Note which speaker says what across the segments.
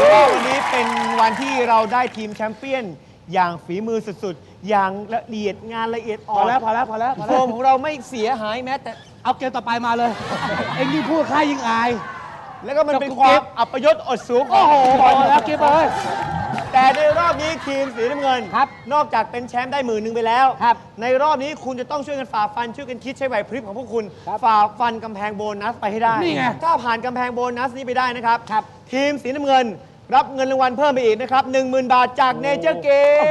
Speaker 1: ว่าวันนี้เป็นวันที่เราได้ทีมแชมเปี้ยนอย่างฝีมือสุดๆอย่างละเอียดงานละเอียดอ่อน
Speaker 2: พอแล้ว
Speaker 1: โฟมของเราไม่เสียหายแม้แต่
Speaker 2: เอาเกมต่อไปมาเลย เอ็งนี่พูดค่ายิ่งอาย
Speaker 1: แล้วก็มันเป็นความอัปยศอดสูง
Speaker 2: โอ้โหพอแล้วเกมเลย
Speaker 1: แต่ในรอบนี้ทีมสีน้ำเงิน
Speaker 2: ครับ
Speaker 1: นอกจากเป็นแชมป์ได้10,000ไปแล้ว
Speaker 2: ครับ
Speaker 1: ในรอบนี้คุณจะต้องช่วยกันฝ่าฟันช่วยกันคิดใช้ไหวพริบของพวกคุณ
Speaker 2: ครับ
Speaker 1: ฝ่าฟันกำแพงโบนัสไปให้ได้
Speaker 2: นี่ไง
Speaker 1: ถ้าผ่านกำแพงโบนัสนี้ไปได้นะครับ
Speaker 2: ครับ
Speaker 1: ทีมสีน้ำเงินรับเงินรางวัลเพิ่มไปอีกนะครับ 10,000 บาทจากเนเจอร์เกม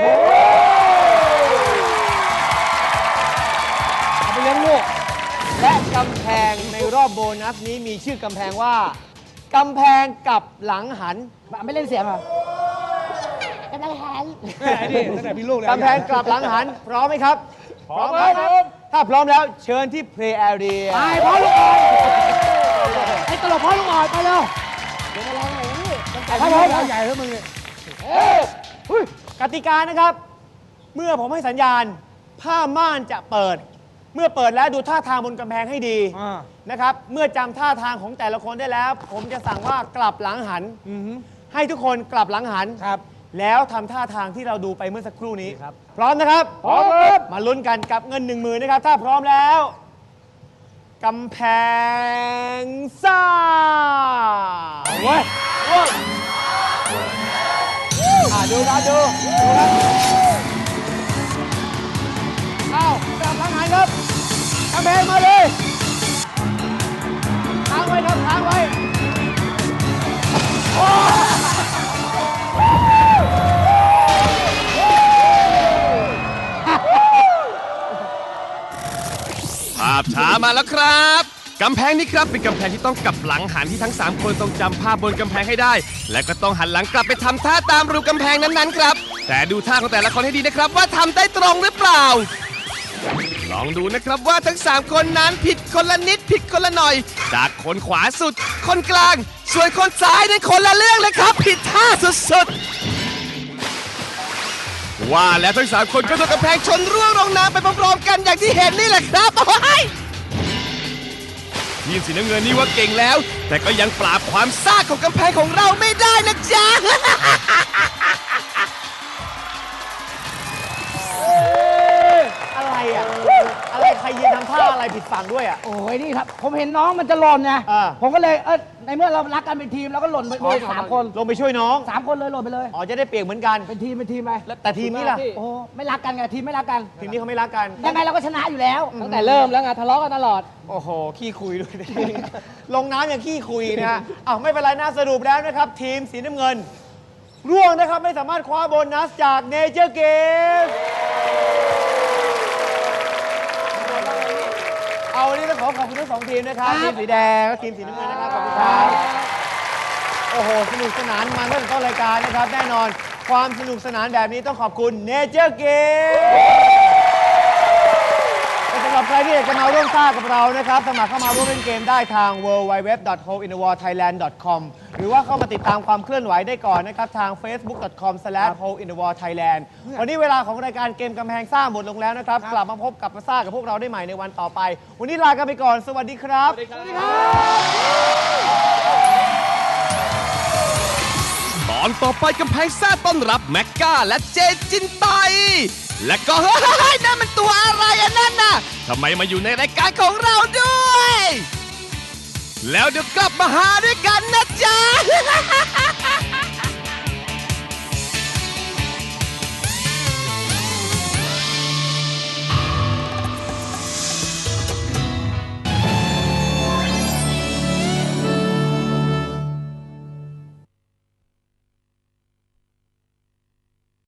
Speaker 2: เอาไปเลี้ยงลูก
Speaker 1: และกำแพงในรอบโบนัสนี้มีชื่อกำแพงว่ากำแพงกับหลังหัน
Speaker 2: ไม่เล่นเสียงเหรอ
Speaker 3: กำลังหัน
Speaker 2: ไอ้นี่ตั้งแต่พี่ลูกเลย
Speaker 1: กำแพงกลับหลังหัน พร้อมไหมครับ
Speaker 2: พร้อมครับ
Speaker 1: ถ้าพร้อมแล้วเชิญที่ Play Area
Speaker 2: ไปพ่อลูกอ่อนไอ้ตลกพ่อลูกอ่อนไปเร็ว
Speaker 3: เดี๋ยวมาลองหน่อยนี่
Speaker 2: ครับผมใหญ่แล้วมึงเนี่ย
Speaker 1: กติกานะครับ เมื่อผมให้สัญญาณ ผ้าม่านจะเปิด เมื่อเปิดแล้วดูท่าทางบนกำแพงให้ดีนะครับ เมื่อจำท่าทางของแต่ละคนได้แล้ว ผมจะสั่งว่ากลับหลังหัน ให้ทุกคนกลับหลังหัน
Speaker 2: ครับ
Speaker 1: แล้วทำท่าทางที่เราดูไปเมื่อสักครู่นี้
Speaker 2: ครับ
Speaker 1: พร้อมนะครับ
Speaker 2: พร้อมครับ
Speaker 1: มาลุ้นกันกับเงิน 10,000นะครับ ถ้าพร้อมแล้วกำแพงซ่า
Speaker 2: เว้ย
Speaker 1: ดูครับดูครับอ้าวกลับหลังหันครับกำแพงมาเลยค้างไว้ครับค้างไว้
Speaker 4: ภาพช้ามาแล้วครับกำแพงนี้ครับเป็นกำแพงที่ต้องกลับหลังหันที่ทั้ง 3 คนต้องจำภาพบนกำแพงให้ได้ และก็ต้องหันหลังกลับไปทำท่าตามรูกำแพงนั้นๆครับแต่ดูท่าของแต่ละคนให้ดีนะครับว่าทำได้ตรงหรือเปล่า ลองดูนะครับว่าทั้ง 3 คนนั้นผิดคนละนิดผิดคนละหน่อย จากคนขวาสุด คนกลาง ส่วนคนซ้ายนั้นคนละเรื่องเลยครับ ผิดท่าสุดๆว่าแล้วทั้ง 3 คนก็โดนกำแพงชนร่วงลงน้ำไปพร้อมๆกันอย่างที่เห็นนี่แหละครับโอ้ยทีมสีน้ำเงินนี่ว่าเก่งแล้ว แต่ก็ยังปราบความซ่าของกำแพงของเราไม่ได้นะจ๊ะ
Speaker 1: อะไรอ่ะอะไรใครยืนทำท่าอะไรผิดฝั่งด้วยอ่ะ
Speaker 2: โอ้ยนี่ครับ ผมเห็นน้องมันจะหล่นไง
Speaker 1: อ่า
Speaker 2: ผมก็เลยในเมื่อเรารักกันเป็นทีมเราก็หล่นไปเลย3 คน
Speaker 1: ลงไปช่วยน้อง
Speaker 2: 3 คนเลยหล่นไปเลย
Speaker 1: อ๋อจะได้เปียกเหมือนกัน
Speaker 2: เป็นทีมไป
Speaker 1: แต่ทีมนี้ล่ะ
Speaker 2: โอ้ไม่รักกันไงทีมไม่รักกัน
Speaker 1: ทีมนี้เขาไม่รักกัน
Speaker 2: ยังไงเราก็ชนะอยู่แล้ว
Speaker 3: ตั้งแต่เริ่มแล้วไงทะเลาะกันตลอด
Speaker 1: โอ้โห ขี้คุยด้วย ลงน้ำอย่างขี้คุยนะฮะอ้าวไม่เป็นไรนะสรุปแล้วนะครับ ทีมสีน้ำเงิน ร่วงนะครับ ไม่สามารถคว้าโบนัสจากเนเจอร์เกมเอาวันนี้ต้องขอบคุณทั้งสองทีมนะครับ ทีมสีแดงและทีมสีน้ำเงินนะครับ ขอบคุณครับ โอ้โห สนุกสนานมันตั้งแต่ต้นรายการนะครับ แน่นอนความสนุกสนานแบบนี้ต้องขอบคุณเนเจอร์เกม สำหรับใครที่อยากจะมาร่วมสร้างกับเรานะครับสมัครเข้ามาร่วมเล่นเกมได้ทาง www.holeinthewarthailand.com หรือว่าเข้ามาติดตามความเคลื่อนไหวได้ก่อนนะครับ ทาง facebook.com/holeinthewarthailand วันนี้เวลาของรายการเกมกำแพงซ่าหมดลงแล้วนะครับ กลับมาพบกับมาซ่ากับพวกเราได้ใหม่ในวันต่อไป วันนี้ลากันไปก่อน สวัสดีครับ
Speaker 4: ตอนต่อไปกำแพงซ่าต้อนรับแม็กก้าและเจจินไต และก็เฮ้ยนั่นมันตัวอะไรอะนั่นน่ะทำไมมาอยู่ในรายการของเราด้วย แล้วเดี๋ยวกลับมาหาด้วยกันนะ